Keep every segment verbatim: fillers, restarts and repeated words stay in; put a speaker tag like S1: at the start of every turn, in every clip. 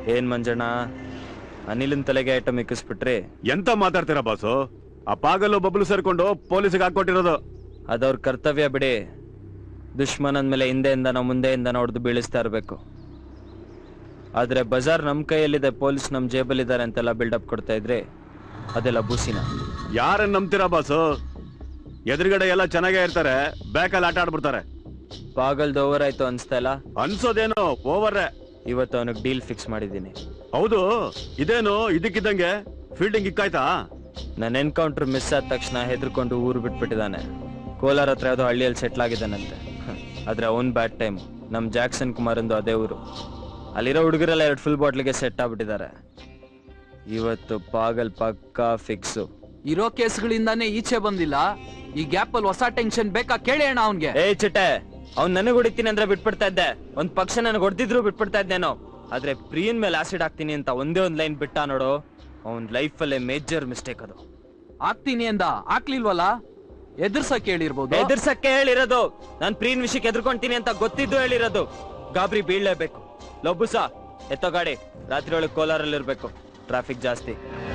S1: ಏನ್ ಮಂಜಣ್ಣ ಅನಿಲಿನ ತಲೆಗೆ ಐಟಮ್ ಇಕ್ಕಿಸ್ಬಿಟ್ರಿ?
S2: ಎಂತ ಮಾತಾಡ್ತೀರಾ ಬಾಸು? ಆ ಪಾಗಲು ಬಬ್ಲು ಸೇರ್ಕೊಂಡು ಪೊಲೀಸಿಗೆ ಹಾಕೊಟ್ಟಿರೋದು.
S1: ಅದವ್ರ ಕರ್ತವ್ಯ ಬಿಡಿ. ದುಶ್ಮನನ್ ಮೇಲೆ ಹಿಂದೆಯಿಂದ ನಾವು ಮುಂದೆಯಿಂದ ಹೊಡೆದು ಬೀಳಿಸ್ತಾ ಇರಬೇಕು. ಆದ್ರೆ ಬಜಾರ್ ನಮ್ ಕೈಯಲ್ಲಿದೆ, ಪೊಲೀಸ್ ನಮ್ ಜೇಬಲ್ಲಿದ್ದಾರೆ ಅಂತೆಲ್ಲ ಬಿಲ್ಡಪ್ ಕೊಡ್ತಾ ಇದ್ರೆ ಅದೆಲ್ಲ ಬೂಸಿನ.
S2: ಯಾರನ್ನ ನಂಬ್ತೀರಾ ಬಾಸು? ಎದುರುಗಡೆ ಎಲ್ಲ ಚೆನ್ನಾಗೇ ಇರ್ತಾರೆ, ಬ್ಯಾಕಲ್ಲಿ ಆಟ ಆಡ್ಬಿಡ್ತಾರೆ.
S1: ಪಾಗಲ್ದು ಓವರ್ ಆಯ್ತು ಅನ್ಸ್ತಾ ಇಲ್ಲ?
S2: ಅನ್ಸೋದೇನು ಓವರ್.
S1: ಇವತ್ತು ಅವನಿಗೆ ಡೀಲ್ ಫಿಕ್ಸ್ ಮಾಡಿದ್ದೀನಿ.
S2: ಹೌದು, ಇದೇನು ಇದಕ್ಕಿದ್ದಂಗೆ ಫೀಲ್ಡಿಂಗ್ ಇಕ್ಕಾಯ್ತಾ?
S1: ನನ್ನ ಎನ್ಕೌಂಟರ್ ಮಿಸ್ ಆದ ತಕ್ಷಣ ಹೆದರ್ಕೊಂಡು ಊರು ಬಿಟ್ಬಿಟ್ಟಿದ್ದಾನೆ. ಕೋಲಾರ ಹತ್ರ ಯಾವುದೋ ಹಳ್ಳಿಯಲ್ಲಿ ಸೆಟ್ಲ್ ಆಗಿದ್ದಾನಂತೆ. ಆದ್ರೆ ಅವನ್ ಬ್ಯಾಡ್ ಟೈಮ್. ನಮ್ ಜಾಕ್ಸನ್ ಕುಮಾರ್ ಅಂದು ಅದೇ ಊರು. ಅಲ್ಲಿರೋ ಹುಡುಗರೆಲ್ಲ ಎರಡು ಫುಲ್ ಬಾಟ್ಲಿಗೆ ಸೆಟ್ ಆಗ್ಬಿಟ್ಟಿದ್ದಾರೆ. ಇವತ್ತು ಪಾಗಲ್ ಪಕ್ಕಾ ಫಿಕ್ಸು.
S3: ಇರೋ ಕೇಸ್ಗಳಿಂದಾನೇ ಈಚೆ ಬಂದಿಲ್ಲ. ಈ ಗ್ಯಾಪ್ ಅಲ್ಲಿ ಹೊಸ ಟೆನ್ಷನ್ ಬೇಕಾ ಕೇಳಿ ಅಣ್ಣ ಅವನ್ಗೆ.
S1: ಏ ಚಿಟ್ಟೆ, ಅವ್ನ್ ನನಗ್ ಹೊಡಿತೀನಿ ಅಂದ್ರೆ ಬಿಟ್ಬಿಡ್ತಾ ಇದ್ದೆ. ಒಂದ್ ಪಕ್ಷ ನನಗೆ ಹೊಡೆದಿದ್ರು ಬಿಟ್ಬಿಡ್ತಾ ಇದ್ದೇನೋ. ಆದ್ರೆ ಪ್ರಿಯನ್ ಮೇಲೆ ಆಸಿಡ್ ಹಾಕ್ತೀನಿ ಅಂತ ಒಂದೇ ಒಂದ್ ಲೈನ್ ಬಿಟ್ಟ ನೋಡು, ಅವನ್ ಲೈಫ್ ಅಲ್ಲೇ ಮೇಜರ್ ಮಿಸ್ಟೇಕ್ ಅದು.
S3: ಆಗ್ತೀನಿ ಅಂದ, ಹಾಕ್ಲಿಲ್ವಲ್ಲ? ಎದುರ್ಸಕ್ಕೆ ಹೇಳಿರ್ಬೋದು.
S1: ಎದುರ್ಸಕ್ಕೆ ಹೇಳಿರೋದು. ನಾನ್ ಪ್ರಿಯನ್ ವಿಷಯಕ್ಕೆ ಎದುರ್ಕೊಂತೀನಿ ಅಂತ ಗೊತ್ತಿದ್ದು ಹೇಳಿರೋದು. ಗಾಬರಿ ಬೀಳ್ಲೇಬೇಕು. ಲೊಬ್ಬುಸ ಎತ್ತೋ ಗಾಡಿ. ರಾತ್ರಿ ಒಳಗೆ ಕೋಲಾರಲ್ಲಿ ಇರ್ಬೇಕು, ಟ್ರಾಫಿಕ್ ಜಾಸ್ತಿ.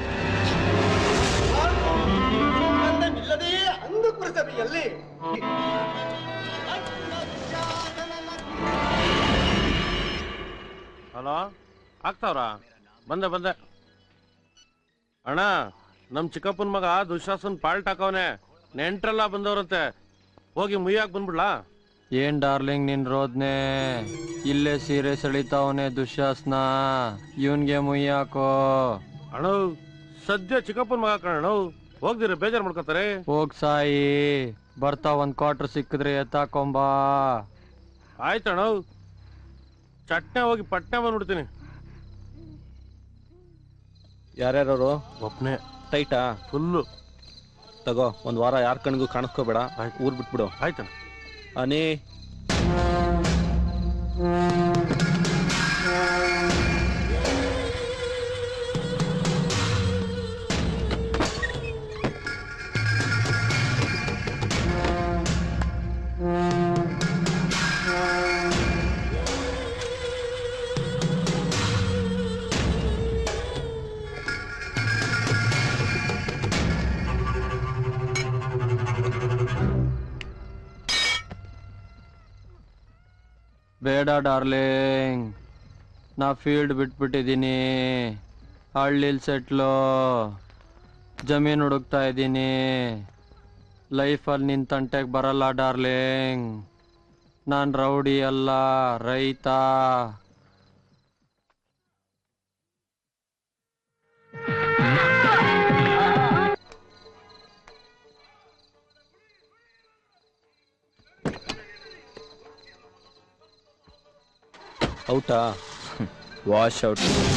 S4: ಹಲೋ, ಆಗ್ತಾವ್ರ? ಬಂದೆ ಬಂದೆ ಅಣ್ಣ. ನಮ್ ಚಿಕ್ಕಪ್ಪನ ಮಗ ದುಶಾಸನ್ ಪಾಲ್ಟ್ ಹಾಕವನೆ. ನೆಂಟ್ರೆಲ್ಲ ಬಂದವ್ರಂತೆ, ಹೋಗಿ ಮುಯ್ಯಾಕ್ ಬಂದ್ಬಿಡ್ಲಾ?
S5: ಏನ್ ಡಾರ್ಲಿಂಗ್ ನಿನ್ ರೋದ್ನೆ? ಇಲ್ಲೇ ಸೀರೆ ಸೆಳಿತಾವನೆ ದುಶ್ಯಾಸ್ನ, ಇವನ್ಗೆ ಮುಯ್ಯಾಕೋ.
S4: ಅಣ್ಣ ಸದ್ಯ ಚಿಕ್ಕಪ್ಪನ ಮಗ ಕಣ, ಹೋಗ್ದಿರ ಬೇಜಾರ್ ಮಾಡ್ಕೊತಾರೆ.
S5: ಹೋಗ್ ಸಾಯಿ, ಬರ್ತಾ ಒಂದ್ ಕ್ವಾರ್ಟರ್ ಸಿಕ್ಕಿದ್ರೆ ಎತ್ತಾಕೊಂಬಾ.
S4: ಆಯ್ತಣ್ಣ, ಚಟ್ನೆ ಹೋಗಿ ಪಟ್ನೆ ಬಂದ್ಬಿಡ್ತೀನಿ.
S6: ಯಾರ್ಯಾರು?
S4: ಒಬ್ನೇ.
S6: ಟೈಟಾ?
S4: ಫುಲ್ಲು.
S6: ತಗೋ, ಒಂದ್ ವಾರ ಯಾರ ಕಣ್ಗೂ ಕಾಣಿಸ್ಕೋಬೇಡ, ಊರ್ ಬಿಟ್ಬಿಡು.
S4: ಆಯ್ತಣ್ಣ.
S6: ಅನಿ
S5: ಬೇಡ ಡಾರ್ಲಿಂಗ್, ನಾ ಫೀಲ್ಡ್ ಬಿಟ್ಬಿಟ್ಟಿದ್ದೀನಿ. ಹಳ್ಳಿಲ್ ಸೆಟ್ಲು, ಜಮೀನು ಹುಡುಕ್ತಾ ಇದ್ದೀನಿ. ಲೈಫಲ್ಲಿ ನಿನ್ ತಂಟೆಗೆ ಬರಲ್ಲ ಡಾರ್ಲಿಂಗ್. ನಾನು ರೌಡಿ ಅಲ್ಲ, ರೈತ.
S6: ಔಟಾ?
S1: Wash out.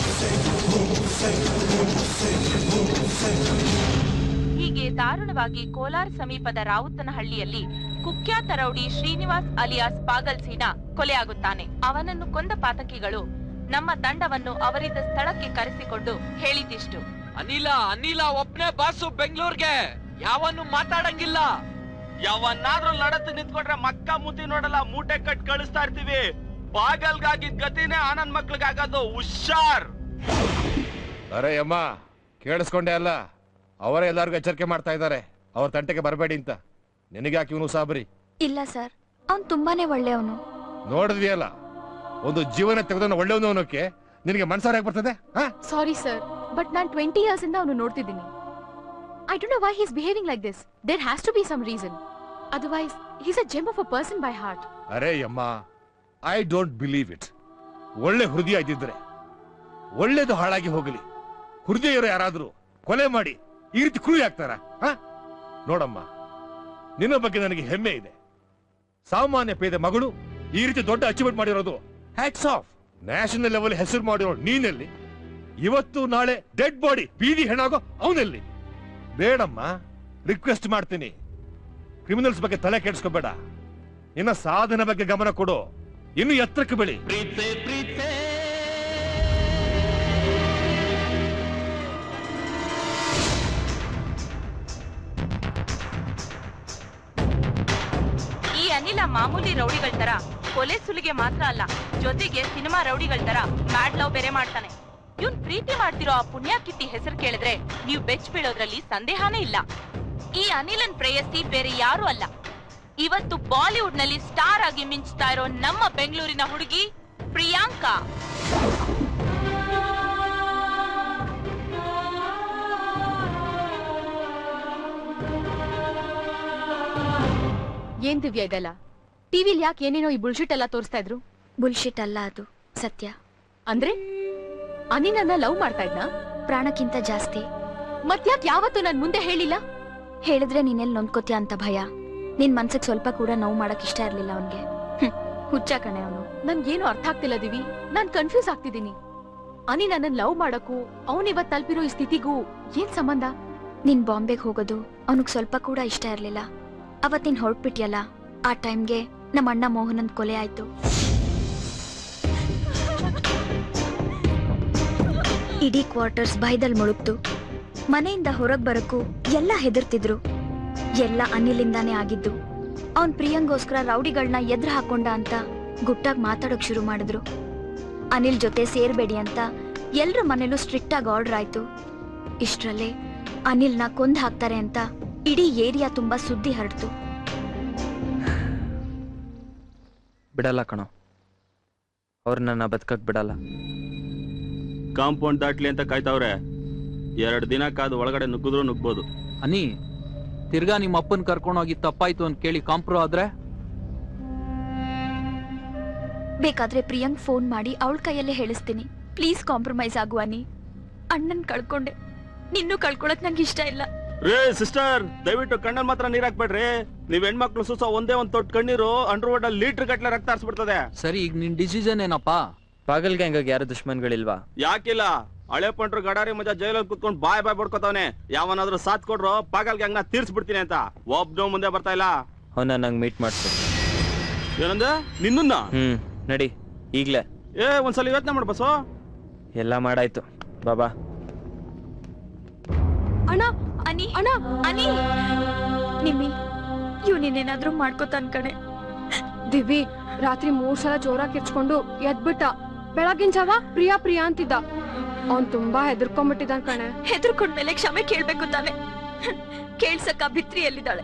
S7: ಹೀಗೆ ದಾರುಣವಾಗಿ ಕೋಲಾರ ಸಮೀಪದ ರಾವುತನಹಳ್ಳಿಯಲ್ಲಿ ಕುಖ್ಯಾತ ರೌಡಿ ಶ್ರೀನಿವಾಸ್ ಅಲಿಯಾಸ್ ಪಾಗಲ್ ಸೀನಾ ಕೊಲೆಯಾಗುತ್ತಾನೆ. ಅವನನ್ನು ಕೊಂದ ಪಾತಕಿಗಳು ನಮ್ಮ ತಂಡವನ್ನು ಅವರಿದ್ದ ಸ್ಥಳಕ್ಕೆ ಕರೆಸಿಕೊಂಡು ಹೇಳಿದಿಷ್ಟು:
S3: ಅನಿಲ ಅನಿಲ ಒಬ್ನೇ ಬಾಸು ಬೆಂಗಳೂರಿಗೆ, ಯಾವನ್ನು ಮಾತಾಡಂಗಿಲ್ಲ.
S8: ಯಾವನ್ನಾದ್ರೂ ಲಡತ್ ನಿಂತ್ಕೊಂಡ್ರೆ ಮಕ್ಕ ಮುತಿ ನೋಡಲ್ಲ, ಮೂಟೆ ಕಟ್ ಕಳಿಸ್ತಾ ಇರ್ತೀವಿ. ಪಾಗಲ್ಗಾಗಿದ್ ಗತಿನೇ ಆನಂದ್ ಮಕ್ಳಿಗಾಗೋದು. ಹುಷಾರ್.
S9: ಅರೆ ಅಮ್ಮ, ಕೇಳಿಸ್ಕೊಂಡೆ ಅಲ್ಲ? ಅವರೇ ಎಲ್ಲಾರ್ಗು ಎಚ್ಚರಿಕೆ ಮಾಡ್ತಾ ಇದ್ದಾರೆ, ಅವ್ರ ತಂಟೆಗೆ ಬರಬೇಡಿ ಅಂತ. ನಿನಗ್ಯಾಕೆ ಇವನು ಸಾಬರಿ?
S10: ಇಲ್ಲ ಸರ್, ಅವ್ನು ತುಂಬಾನೇ ಒಳ್ಳೆಯವನು.
S9: ನೋಡಿದ್ವಿಯಲ್ಲ, ಒಂದು ಜೀವನ ತೆಗೆದವನು ಒಳ್ಳೆಯವನು ಅನ್ನೋಕೆ ನಿನಗೆ ಮನ್ಸಾರ ಯಾಕೆ ಬರ್ತದೆ?
S10: ಸಾರಿ ಸರ್, ಬಟ್ ನಾನು ಟ್ವೆಂಟಿ ಇಯರ್ಸ್ ಇಂದ ಅವನು ನೋಡ್ತಿದ್ದೀನಿ. I don't know why he is behaving like this. There has to be some reason. Otherwise he is a gem of a person by heart.
S9: ಅರೆ ಅಮ್ಮ, ಐ ಡೋಂಟ್ ಬಿಲೀವ್ ಇಟ್. ಒಳ್ಳೆ ಹೃದಯ ಇದ್ದಿದ್ರೆ ಒಳ್ಳೇದು ಹಾಳಾಗಿ ಹೋಗಲಿ. ಹೃದಯ ಇರೋ ಯಾರಾದ್ರೂ ಕೊಲೆ ಮಾಡಿ ಈ ರೀತಿ ಕ್ರೂರಿ ಆಗ್ತಾರ? ನೋಡಮ್ಮ, ನಿನ್ನ ಬಗ್ಗೆ ನನಗೆ ಹೆಮ್ಮೆ ಇದೆ. ಸಾಮಾನ್ಯ ಪೇದೆ ಮಗಳು ಈ ರೀತಿ ದೊಡ್ಡ ಅಚೀವ್ಮೆಂಟ್ ಮಾಡಿರೋದು ಹ್ಯಾಟ್ಸ್ ಆಫ್. ನ್ಯಾಷನಲ್ ಲೆವೆಲ್ ಹೆಸರು ಮಾಡಿರೋ ನೀನೆಲ್ಲಿ? ಇವತ್ತು ನಾಳೆ ಡೆಡ್ ಬಾಡಿ ಬೀದಿ ಹೆಣಾಗೋ ಅವನೆಲ್ಲಿ? ಬೇಡಮ್ಮ, ರಿಕ್ವೆಸ್ಟ್ ಮಾಡ್ತೀನಿ, ಕ್ರಿಮಿನಲ್ಸ್ ಬಗ್ಗೆ ತಲೆ ಕೆಡಿಸ್ಕೋಬೇಡ. ನಿನ್ನ ಸಾಧನೆ ಬಗ್ಗೆ ಗಮನ ಕೊಡು, ಇನ್ನು ಎತ್ತರಕ್ಕೆ ಬೆಳಿ.
S7: ಈ ಅನಿಲ ಮಾಮೂಲಿ ರೌಡಿಗಳ ತರ ಕೊಲೆ ಸುಲಿಗೆ ಮಾತ್ರ ಅಲ್ಲ, ಜೊತೆಗೆ ಸಿನಿಮಾ ರೌಡಿಗಳ ತರ ಮ್ಯಾಡ್ ಲವ್ ಬೇರೆ ಮಾಡ್ತಾನೆ. ಇವ್ನ್ ಪ್ರೀತಿ ಮಾಡ್ತಿರೋ ಆ ಪುಣ್ಯಾಕಿತ್ತಿ ಹೆಸರು ಕೇಳಿದ್ರೆ ನೀವು ಬೆಚ್ಚ ಬೀಳೋದ್ರಲ್ಲಿ ಸಂದೇಹನೇ ಇಲ್ಲ. ಈ ಅನಿಲನ್ ಪ್ರೇಯಸಿ ಬೇರೆ ಯಾರು ಅಲ್ಲ, ಇವತ್ತು ಬಾಲಿವುಡ್ ನಲ್ಲಿ ಸ್ಟಾರ್ ಆಗಿ ಮಿಂಚ್ತಾ ಇರೋ ನಮ್ಮ ಬೆಂಗಳೂರಿನ ಹುಡುಗಿ ಪ್ರಿಯಾಂಕಾ.
S10: ಏನ್ ದಿವ್ಯಾ ಇದೆಲ್ಲ? ಟಿವಿಲ್ ಯಾಕೆ ಏನೇನೋ ಈ ಬುಲ್ಶಿಟ್ ಎಲ್ಲ ತೋರಿಸ್ತಾ ಇದ್ರು?
S11: ಬುಲ್ಶಿಟ್ ಅಲ್ಲ, ಅದು ಸತ್ಯ.
S10: ಅಂದ್ರೆ ಅನಿ ನನ್ನ ಲವ್ ಮಾಡ್ತಾ ಇದ್ನಾ?
S11: ಪ್ರಾಣಕ್ಕಿಂತ ಜಾಸ್ತಿ.
S10: ಮತ್ಯಾಕ್ ಯಾವತ್ತೂ ನನ್ ಮುಂದೆ ಹೇಳಿಲ್ಲ?
S11: ಹೇಳಿದ್ರೆ ನೀನೆಲ್ಲಿ ನೊಂದ್ಕೋತೀಯ ಅಂತ ಭಯ. ನಿನ್ ಮನ್ಸಿಗೆ ಸ್ವಲ್ಪ ಕೂಡ ನೋವು ಮಾಡಕ್ ಇಷ್ಟ ಇರ್ಲಿಲ್ಲ ಅವನ್ಗೆ. ಹುಚ್ಚ ಕಣೆ ಅವನು.
S10: ನನ್ಗೇನು ಅರ್ಥ ಆಗ್ತಿಲ್ಲ ದಿವಿ, ನಾನ್ ಕನ್ಫ್ಯೂಸ್ ಆಗ್ತಿದ್ದೀನಿ. ಅನಿ ನನ್ನನ್ ಲವ್ ಮಾಡಕ್ಕೂ ಅವನ್ ಇವತ್ ತಲುಪಿರೋ ಈ ಸ್ಥಿತಿಗೂ ಏನ್ ಸಂಬಂಧ?
S11: ನೀನ್ ಬಾಂಬೆಗೆ ಹೋಗೋದು ಅವನಿಗೆ ಸ್ವಲ್ಪ ಕೂಡ ಇಷ್ಟ ಇರ್ಲಿಲ್ಲ. ಅವತ್ ನೀನ್ ಹೊರಟ್ಬಿಟ್ಯಲ್ಲ, ಆ ಟೈಮ್ಗೆ ನಮ್ಮ ಅಣ್ಣ ಮೋಹನನ್ ಕೊಲೆ ಆಯ್ತು. ಇಡೀ ಕ್ವಾರ್ಟರ್ಸ್ ಭಯದಲ್ಲಿ ಮುಳುಗ್ತು. ಮನೆಯಿಂದ ಹೊರಗ್ ಬರಕ್ಕೂ ಎಲ್ಲ ಹೆದರ್ತಿದ್ರು. ಎಲ್ಲ ಅನಿಲಿಂದಾನೇ ಆಗಿದ್ದು. ಅವನ್ ಪ್ರಿಯಂಗೋಸ್ಕರ ರೌಡಿಗಳನ್ನ ಎದುರು ಹಾಕೊಂಡ ಅಂತ ಗುಟ್ಟಾಗಿ ಮಾತಾಡೋಕ್ ಶುರು ಮಾಡಿದ್ರು. ಅನಿಲ್ ಜೊತೆ ಸೇರ್ಬೇಡಿ ಅಂತ ಎಲ್ರ ಮನೇಲೂ ಸ್ಟ್ರಿಕ್ಟ್ ಆಗಿ ಆರ್ಡರ್ ಆಯ್ತು. ಇಷ್ಟ್ರಲ್ಲೇ ಅನಿಲ್ನ ಕೊಂದ್ ಹಾಕ್ತಾರೆ ಅಂತ ಇಡೀ ಏರಿಯಾ ತುಂಬಾ ಸುದ್ದಿ ಹರಡ್ತು.
S1: ಬಿಡಲ್ಲ ಕಣೋ, ಅವ್ರು ನನ್ನ ಬದುಕಕ್ ಬಿಡಲ್ಲ.
S2: ಕಾಂಪೌಂಡ್ ದಾಟ್ಲಿ ಅಂತ ಕಾಯ್ತಾವ್ರೆ. ಎರಡು ದಿನ ಕಾದು ಒಳಗಡೆ ನುಗ್ಗಿದ್ರು ನುಗ್ಬೋದು.
S3: ಅನಿ, ತಿರ್ಗಾ ನಿಮ್ಮ ಅಪ್ಪನ್ ಕರ್ಕೊಂಡೋಗಿ ತಪ್ಪಾಯ್ತು ಅಂತ ಕೇಳಿ ಕಾಂಪ್ರೋ ಆದ್ರೆ?
S11: ಬೇಕಾದ್ರೆ ಪ್ರಿಯಾಂಕ್ ಫೋನ್ ಮಾಡಿ ಅವಳ ಕೈಯಲ್ಲೇ ಹೇಳಿಸ್ತೀನಿ. ಪ್ಲೀಸ್ ಕಾಂಪ್ರಮೈಸ್ ಆಗು ಅನಿ. ಅಣ್ಣನ್ ಕಳ್ಕೊಂಡೆ, ನಿನ್ನೂ ಕಳ್ಕೊಳಕ್ ನಂಗೆ ಇಷ್ಟ ಇಲ್ಲ.
S2: ರೇ ಸಿಸ್ಟರ್, ದಯವಿಟ್ಟು ಕಣ್ಣಲ್ಲಿ ಮಾತ್ರ ನೀರ್ ಹಾಕ್ಬೇಡ್ರಿ. ನೀವ್ ಹೆಣ್ಮಕ್ಳು ಸುಸ ಒಂದೇ ಒಂದ್ ತೊಟ್ಟು ಕಣ್ಣೀರು ಅಂಡರ್ ವರ್ಡ್ ಅಲ್ಲಿ ಲೀಟರ್ ಗಟ್ಲೆ ರಕ್ತ ಹರಿಸ್ಬಿಡ್ತದೆ.
S3: ಸರಿ, ಈಗ ನಿನ್ ಡಿಸಿಷನ್ ಏನಪ್ಪಾ?
S1: ಪಾಗಲ್ ಗ್ಯಾಂಗ್ ಯಾರು ದುಶ್ಮನ್ಗಳಿಲ್ವಾ?
S2: ಯಾಕಿಲ್ಲ? ಹಳೆ ಪಂಟ್ರು ಗಡಾರಿ ಮಜಾ ಜೈಲಲ್ಲಿ ಕುತ್ಕೊಂಡು ಬಾಯ್ ಬಾಯ್ ಬಡ್ಕೋತಾವನೆ. ಯಾವನಾದ್ರೂ ಸಾಥ್ ಕೊಡ್ರು ಪಾಗಲ್ ಗ್ಯಾಂಗ್ ನ ತೀರ್ಸ್ಬಿಡ್ತೀನಿ ಅಂತ. ಒಬ್ನೋ ಮುಂದೆ ಬರ್ತಾ ಇಲ್ಲ.
S1: ಅವನ್ನ ನಂಗೆ ಮೀಟ್ ಮಾಡ್ಸು.
S2: ಏನಂದ? ನಿನ್ನ?
S1: ಹ್ಮ್, ನಡಿ ಈಗ್ಲೇ.
S2: ಏ ಒಂದ್ಸಲ ಯೋಚನೆ ಮಾಡು ಬಸೋ.
S1: ಎಲ್ಲ ಮಾಡಾಯ್ತು, ಬಾಬಾ.
S11: ಅಣ್ಣ, ಅನಿ, ಅಣ್ಣ, ಅನಿ, ನಿಮ್ಮಿ ಇವ್ ನೀನೇನಾದ್ರೂ ಮಾಡ್ಕೋತಾನ್ ಕಣೆ.
S10: ದಿವಿ ರಾತ್ರಿ ಮೂರ್ ಸಲ ಜೋರಾಗಿ ಕಿರ್ಚ್ಕೊಂಡು ಎದ್ಬಿಟ್ಟ. ಬೆಳಗಿನ ಜಾವ ಪ್ರಿಯಾ ಪ್ರಿಯಾ ಅಂತಿದ್ದ. ಅವ್ನ್ ತುಂಬಾ ಹೆದರ್ಕೊಂಡ್ಬಿಟ್ಟಿದ್ದಾನ್ ಕಣೆ.
S11: ಹೆದರ್ಕೊಂಡ್ಮೇಲೆ ಕ್ಷಮೆ ಕೇಳ್ಬೇಕು ತಾನೆ. ಕೇಳ್ಸಕ್ಕ ಭಿತ್ರಿ ಎಲ್ಲಿದ್ದಾಳೆ?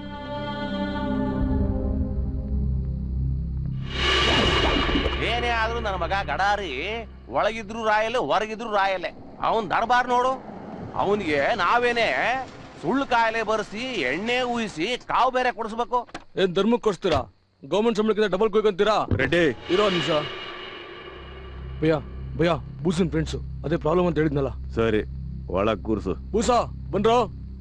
S8: ಏನೇ ಆದ್ರೂ ನನ್ನ ಮಗ ಗಡಾರಿ ಒಳಗಿದ್ರು ರಾಯಲೆ, ಹೊರಗಿದ್ರು ರಾಯಲೆ. ಅವನ್ ದರ್ಬಾರ್ ನೋಡು. ಅವನಿಗೆ ನಾವೇನೆ ಸುಳ್ಳು ಕಾಯಿಲೆ ಬರ್ಸಿ ಎಣ್ಣೆ ಊಹಿಸಿ ಕಾವು ಬೇರೆ ಕೊಡಿಸ್ಬೇಕು.
S6: ಏನ್ ಧರ್ಮಕ್ಕೆ ಕೊಡ್ಸ್ತೀರಾ? ಗೌರ್ಮೆಂಟ್ ಸಂಬಳಕ್ಕಿಂತ ಡಬಲ್ ಕೊಯ್ಕೊಂತೀರಾ?
S2: ರೆಡ್ಡಿ
S6: ಇರೋ ನಿಮಿಷ. ಭಯ್ಯ ಭಯ್ಯ ಬೂಸನ್ ಫ್ರೆಂಡ್ಸು, ಅದೇ ಪ್ರಾಬ್ಲಮ್ ಅಂತ ಹೇಳಿದ್ನಲ್ಲ.
S2: ಸರಿ, ಒಳಗ್ ಕೂರ್ಸು.
S6: ಬೂಸಾ ಬಂದ್ರೋ?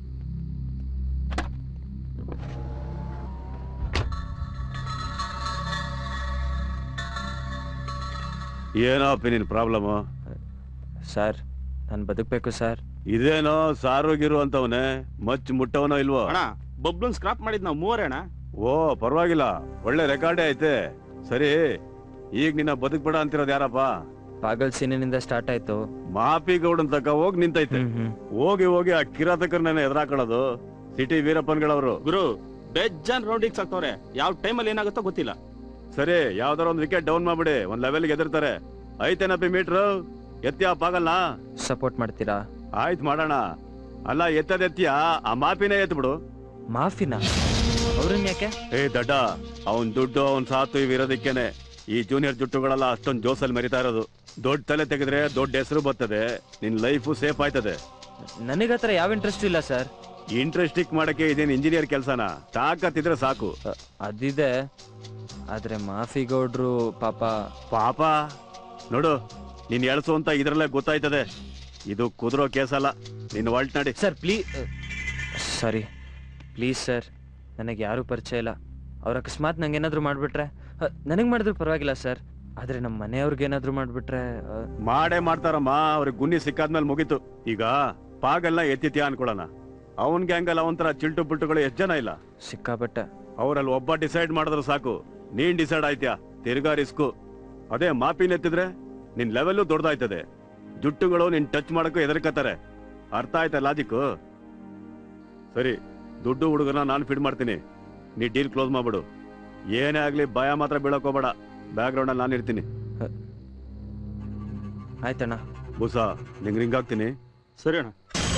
S2: ಏನಪ್ಪ ನಿನ್ ಪ್ರಾಬ್ಲಮ್?
S1: ಸರ್, ನಾನು ಬದುಕಬೇಕು ಸರ್.
S2: ಇದೇನೋ ಸಾರೋಗಿರು ಅಂತವನೇ, ಮಚ್ ಮುಟ್ಟವನೋ ಇಲ್ವೋ? ಅಣ್ಣ, ಬಬ್ಲನ್ ಸ್ಕ್ರಾಪ್ ಮಾಡಿದ್ ನಾವು ಮೂವರೇ ಅಣ್ಣ. ಓ ಪರವಾಗಿಲ್ಲ, ಒಳ್ಳೆ ರೆಕಾರ್ಡೇ ಐತೆ. ಸರಿ, ಈಗ ನಿನ್ನ ಬದುಕ್ಬೇಡ ಅಂತಿರೋದು ಯಾರಪ್ಪ?
S1: ಪಾಗಲ್ ಸೀನಿನಿಂದ ಸ್ಟಾರ್ಟ್ ಆಯ್ತು.
S2: ಮಾಪಿ ಗೌಡನ್ ತಕ ಹೋಗಿ ನಿಂತೈತೆ. ಹೋಗಿ ಹೋಗಿ ಆ ಕಿರಾತಕರನ್ನ ಎದುರಾಕೊಳ್ಳೋದು ಸಿಟಿ ವೀರಪ್ಪನ್ಗಳವರು. ಗುರು, ಬೆಜ್ಜನ್ ರೌಂಡಿಂಗ್ ಸಾಕ್ತವ್ರೆ. ಯಾವ ಟೈಮಲ್ಲಿ ಏನಾಗುತ್ತೋ ಗೊತ್ತಿಲ್ಲ. ಸರಿ, ಯಾವ್ದಾರ ಒಂದ್ ವಿಕೆಟ್ ಡೌನ್ ಮಾಡ್ಬಿಡಿ, ಒಂದ್ ಲೆವೆಲ್ಗೆ ಎದಿರ್ತಾರೆ. ಐತೇನಪ್ಪಿ ಮೀಟ್ರು? ಎತ್ತಿಯ ಪಾಗಲ್ನ
S1: ಸಪೋರ್ಟ್ ಮಾಡ್ತೀರಾ?
S2: ಆಯ್ತು ಮಾಡೋಣ. ಅಲ್ಲ, ಎತ್ತದೆತ್ತಿಯ ಆ ಮಾಪಿನೇ ಎತ್ ಬಿಡು.
S1: ಮಾಫಿನ? ಅವ್ರನ್ನ ಯಾಕೆ?
S2: ಏ ದಡ್ಡ, ಅವನ್ ದುಡ್ಡು ಅವನ್ ಸಾತು ಇವಿರೋದಕ್ಕೇನೆ ಈ ಜೂನಿಯರ್ ಜುಟ್ಟುಗಳೆಲ್ಲ ಅಷ್ಟೊಂದು ಜೋಸಲ್ಲಿ ಮರಿತಾ ಇರೋದು. ದೊಡ್ಡ ತಲೆ ತೆಗೆದ್ರೆ ದೊಡ್ಡ ಹೆಸರು ಬರ್ತದೆ, ನಿನ್ ಲೈಫು ಸೇಫ್ ಆಯ್ತದೆ.
S1: ನನಗತ್ರ ಯಾವ ಇಂಟ್ರೆಸ್ಟ್ ಇಲ್ಲ ಸರ್.
S2: ಇಂಟ್ರೆಸ್ಟಿಕ್ ಮಾಡಕ್ಕೆ ಇದೇನು ಇಂಜಿನಿಯರ್ ಕೆಲ್ಸನ? ತಾಕತ್ತಿದ್ರೆ ಸಾಕು.
S1: ಅದಿದೆ, ಆದ್ರೆ ಮಾಫಿ ಗೌಡ್ರು ಪಾಪ.
S2: ಪಾಪ ನೋಡು, ನೀನ್ ಎಳ್ಸು ಅಂತ ಇದ್ರಲ್ಲೇ ಗೊತ್ತಾಯ್ತದೆ. ಇದು ಕುದುರೋ ಕೇಸಲ್ಲ. ನಿನ್ ವಾಲ್ಟ್ ನಡಿ.
S1: Sir please. Sorry, please sir, ನನಗೆ ಯಾರು ಪರಿಚಯ ಇಲ್ಲ. ಅವ್ರ ಅಕಸ್ಮಾತ್ ನಂಗೆ ಏನಾದ್ರು ಮಾಡ್ಬಿಟ್ರೆ? ನನಗ್ ಮಾಡಿದ್ರು ಪರವಾಗಿಲ್ಲ ಸರ್, ಆದ್ರೆ ನಮ್ಮ ಮನೆಯವ್ರಿಗೆ ಏನಾದ್ರು ಮಾಡ್ಬಿಟ್ರೆ?
S2: ಮಾಡೇ ಮಾಡ್ತಾರಮ್ಮ. ಅವ್ರಿಗೆ ಗುನ್ನಿ ಸಿಕ್ಕಾದ್ಮೇಲೆ ಮುಗೀತು. ಈಗ ಪಾಗಲ್ನ ಎತ್ತಿತ್ಯಾ ಅನ್ಕೊಳಣ. ಅವನ್ ಗ್ಯಾಂಗಲ್ ಅವನ್ ಚಿಲ್ಟು ಪುಲ್ಟುಗಳು ಎಷ್ಟ್ ಜನ ಇಲ್ಲ?
S1: ಸಿಕ್ಕಾಪಟ್ಟೆ.
S2: ಅವ್ರಲ್ಲಿ ಒಬ್ಬ ಡಿಸೈಡ್ ಮಾಡಿದ್ರು ಸಾಕು, ನೀನ್ ಡಿಸೈಡ್ ಆಯ್ತ್ಯಾ? ತಿರ್ಗಾ ರಿಸ್ಕು. ಅದೇ ಮಾಪಿನ ಎತ್ತಿದ್ರೆ ನಿನ್ ಲೆವೆಲ್ಲು ದೊಡ್ಡದಾಯ್ತದೆ. ಜುಟ್ಟುಗಳು ನಿನ್ ಟಚ್ ಮಾಡಕ್ಕೂ ಹೆದರ್ಕತ್ತಾರೆ. ಅರ್ಥ ಆಯ್ತಾ ಲಾಜಿಕ್ಕು? ಸರಿ, ದುಡ್ಡು ಹುಡುಗನ ನಾನು ಫಿಡ್ ಮಾಡ್ತೀನಿ, ನೀ ಡೀಲ್ ಕ್ಲೋಸ್ ಮಾಡ್ಬಿಡು. ಏನೇ ಆಗ್ಲಿ ಭಯ ಮಾತ್ರ ಬೀಳಕ್ ಹೋಗ್ಬೇಡ. ಬ್ಯಾಕ್ ಗ್ರೌಂಡ್ ಅಲ್ಲಿ ನಾನು ಇರ್ತೀನಿ.
S1: ಆಯ್ತಣ್ಣ,
S2: ಬೂಸ ನಿಂಗೆ ರಿಂಗ್ ಹಾಕ್ತೀನಿ.
S12: ಸರಿ ಅಣ್ಣ.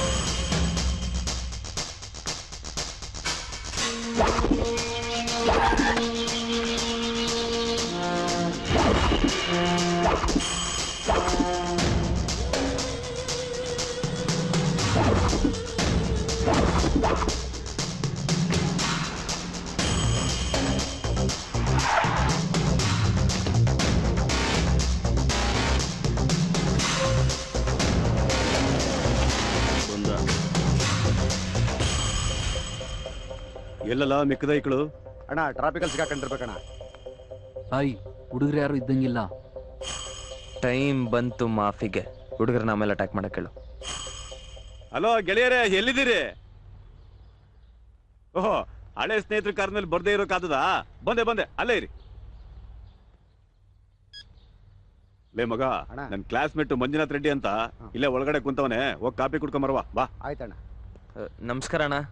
S2: ಎಲ್ಲಲ್ಲ ಮಿಕ್ಕದ ಈಕಳು
S12: ಅಣ್ಣ ಟ್ರಾಫಿಕಲ್ ಸಿಕ್ಕಾಕೊಂಡಿರ್ಬೇಕಣ್ಣ.
S3: ಸಾಯಿ ಹುಡುಗರು ಯಾರು ಇದ್ದಂಗಿಲ್ಲ.
S1: ಟೈಮ್ ಬಂತು ಮಾಫಿಗೆ. ಹುಡುಗರನ್ನ ಆಮೇಲೆ ಅಟ್ಯಾಕ್ ಮಾಡಕ್ ಹೇಳು.
S2: ಹಲೋ ಗೆಳೆಯರೇ, ಎಲ್ಲಿದ್ದೀರಿ? ಓಹೋ, ಹಳೆ ಸ್ನೇಹಿತರ ಕಾರ್ನಲ್ಲಿ ಬರ್ದೇ ಇರೋಕಾದದ? ಬಂದೆ ಬಂದೆ, ಅಲ್ಲೇ ಇರಿ. ಲೇ ಮಗ, ನನ್ ಕ್ಲಾಸ್ಮೇಟ್ ಮಂಜುನಾಥ್ ರೆಡ್ಡಿ ಅಂತ ಇಲ್ಲೇ ಒಳಗಡೆ ಕುಂತವನೆ, ಹೋಗಿ ಕಾಪಿ ಕುಡ್ಕೊಂಬರ್ವಾ ಬಾ.
S12: ಆಯ್ತಣ್ಣ.
S1: ನಮಸ್ಕಾರ ಅಣ್ಣ.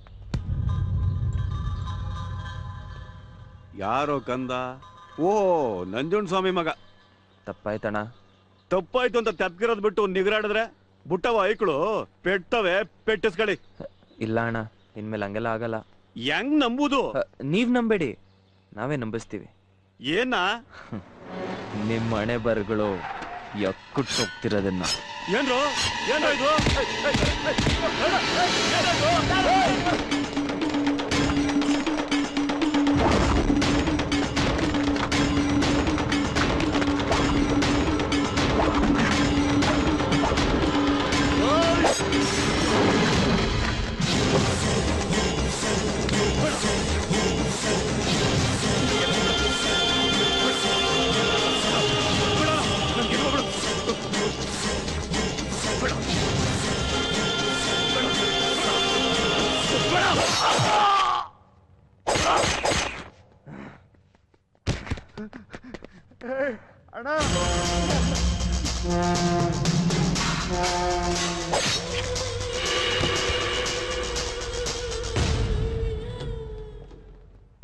S2: ಯಾರೋ ಕಂದ? ಓ, ನಂಜುಂಡ ಸ್ವಾಮಿ ಮಗ.
S1: ತಪ್ಪಾಯ್ತಣ್ಣ.
S2: ತಪ್ಪಾಯ್ತು ಅಂತ ತೆಪ್ಗಿರೋದ್ ಬಿಟ್ಟು ನಿಗರಾಡಿದ್ರೆ ಬುಟ್ಟವ ಐಕ್ಳು ಪೆಟ್ಟವೆ, ಪೆಟ್ಟಿಸ್ಕಳಿ.
S1: ಇಲ್ಲ ಅಣ್ಣ, ಇನ್ಮೇಲೆ ಹಂಗೆಲ್ಲ ಆಗಲ್ಲ.
S2: ಹೆಂಗ್ ನಂಬುದು?
S1: ನೀವ್ ನಂಬೇಡಿ, ನಾವೇ ನಂಬಿಸ್ತೀವಿ.
S2: ಏನ?
S1: ನಿಮ್ಮ ಹಣೆ ಬರಗಳು ಎಕ್ಕುಟ್ಟು ಹೋಗ್ತಿರೋದನ್ನ.
S2: ಏನ್ರು ಏನ್ರ ಇದು?
S12: ಅಣ್ಣ